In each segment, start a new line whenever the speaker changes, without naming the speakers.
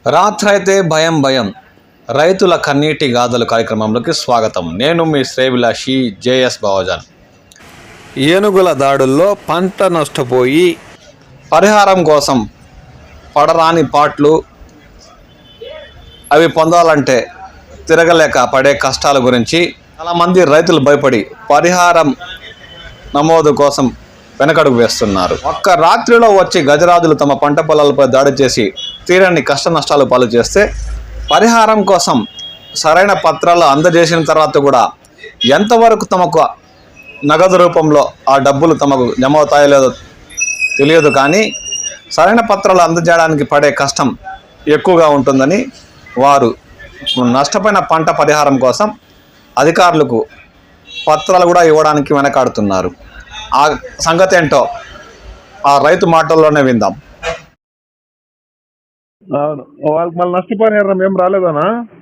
రాత్రైతే భయం భయం రైతుల కన్నీటి గాథలు కార్యక్రమంలోకి స్వాగతం. నేను మీ శ్రేవిలాషి జేఎస్ బావజాన్. ఏనుగుల దాడుల్లో పంట నష్టపోయి పరిహారం కోసం పడరాని పాట్లు అవి పొందాలంటే తిరగలేక పడే కష్టాల గురించి చాలామంది రైతులు భయపడి పరిహారం నమోదు కోసం వెనకడుగు వేస్తున్నారు. ఒక్క రాత్రిలో వచ్చి గజరాజులు తమ పంట పొలాలపై దాడి చేసి తీరని కష్ట నష్టాలు పాలు చేస్తే పరిహారం కోసం సరైన పత్రాలు అందజేసిన తర్వాత కూడా ఎంతవరకు తమకు నగదు రూపంలో ఆ డబ్బులు తమకు జమ అవుతాయో లేదో తెలియదు. కానీ సరైన పత్రాలు అందజేయడానికి పడే కష్టం ఎక్కువగా ఉంటుందని వారు నష్టపోయిన పంట పరిహారం కోసం అధికారులకు పత్రాలు కూడా ఇవ్వడానికి వెనకాడుతున్నారు. ఆ సంగతి ఏంటో ఆ రైతు మాటల్లోనే విందాం.
అవును, వాళ్ళకి మళ్ళీ నష్టపరిహారం ఏం రాలేదనా?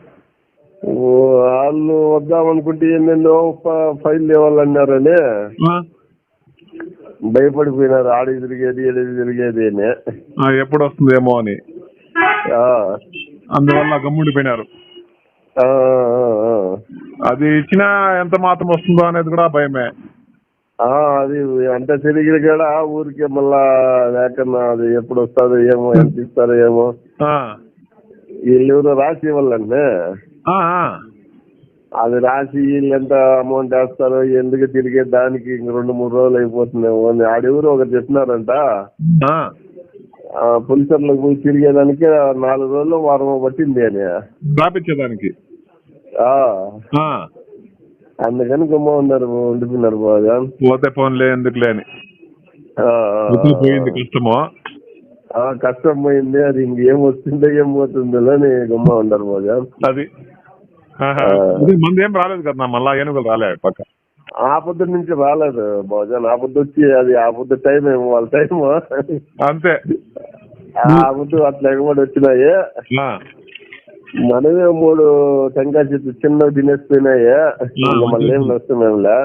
వాళ్ళు వద్దామనుకుంటే ఎన్నెన్నో ఫైల్ ఇవ్వాలన్నారని భయపడిపోయినారు. ఆడికి తిరిగేది ఏడికి తిరిగేది అని
ఎప్పుడు వస్తుందేమో అని అందువల్ల గమ్ముడిపోయినారు. అది ఇచ్చినా ఎంత మాత్రం వస్తుందో అనేది కూడా భయమే.
అది అంటే తిరిగి కూడా ఊరికే మళ్ళా లేకన్నా అది ఎప్పుడు వస్తుందో ఏమో, ఎంత ఇస్తారో ఏమో. వీళ్ళు ఎవరో రాసి ఇవ్వాలండి. అది రాసి వీళ్ళు ఎంత అమౌంట్ వేస్తారో ఎందుకు తిరిగే దానికి ఇంక 2-3 రోజులు అయిపోతుందేమో అని ఆడెవరు ఒకరు చెప్పినారంట. పులిసర్లకు పోయి తిరిగేదానికి 4 రోజులు వారం పట్టింది అని
రాపించేదానికి.
అందుకని గుమ్మ ఉన్నారు, ఉండిపోయినారు. బాగా
పోతే ఫోన్లే ఎందుకులే అని కష్టమో
కష్టం పోయింది. అది ఇంకేం వస్తుందో ఏం పోతుందో అని గుమ్మ ఉండరు. బాగా
అది మంది ఏం రాలేదు కదా, మళ్ళా ఏనుగులు రాలేదు పక్క.
ఆ పొద్దు నుంచి రాలేదు బాజాన్. ఆ పొద్దు వచ్చి అది ఆ పొద్దు టైం ఏమో వాళ్ళ టైం
అంతే.
ఆ పొద్దు అట్లా ఎగబడి వచ్చినాయి. మనమే 3 టెంకాయ చెట్లు చిన్నవి తినేసిపోయినాయి. మళ్ళీ ఏం నష్టం ఏమిలే.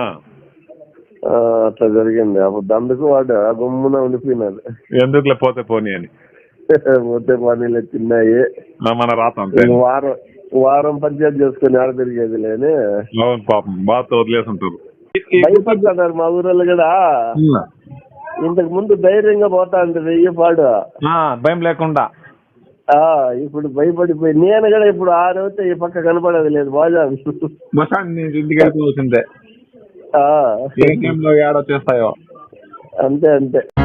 అట్లా జరిగింది అప్పుడు. అందుకు వాడు గుమ్మున ఉండిపోయినాడు.
ఎందుకులే పోతే పోనీ అని
పోతే పనీలు తిన్నాయి.
మన రాత
వారం పంచాయతీ చేసుకుని ఆడ తిరిగేది లేని
పాపం బాగా వదిలేసి ఉంటారు.
భయపడుతున్నారు మా ఊరోళ్ళు కూడా. ఇంతకు ముందు ధైర్యంగా పోతా అంటే వెయ్యి పాడు
భయం లేకుండా.
ఇప్పుడు భయపడిపోయి నేను కూడా ఇప్పుడు 6 అవుతే ఈ పక్క కనపడేది లేదు. బాగా
ఇంటికి వెళ్ళిపోవాల్సిందే. ఏడో చేస్తాయో
అంతే అంతే.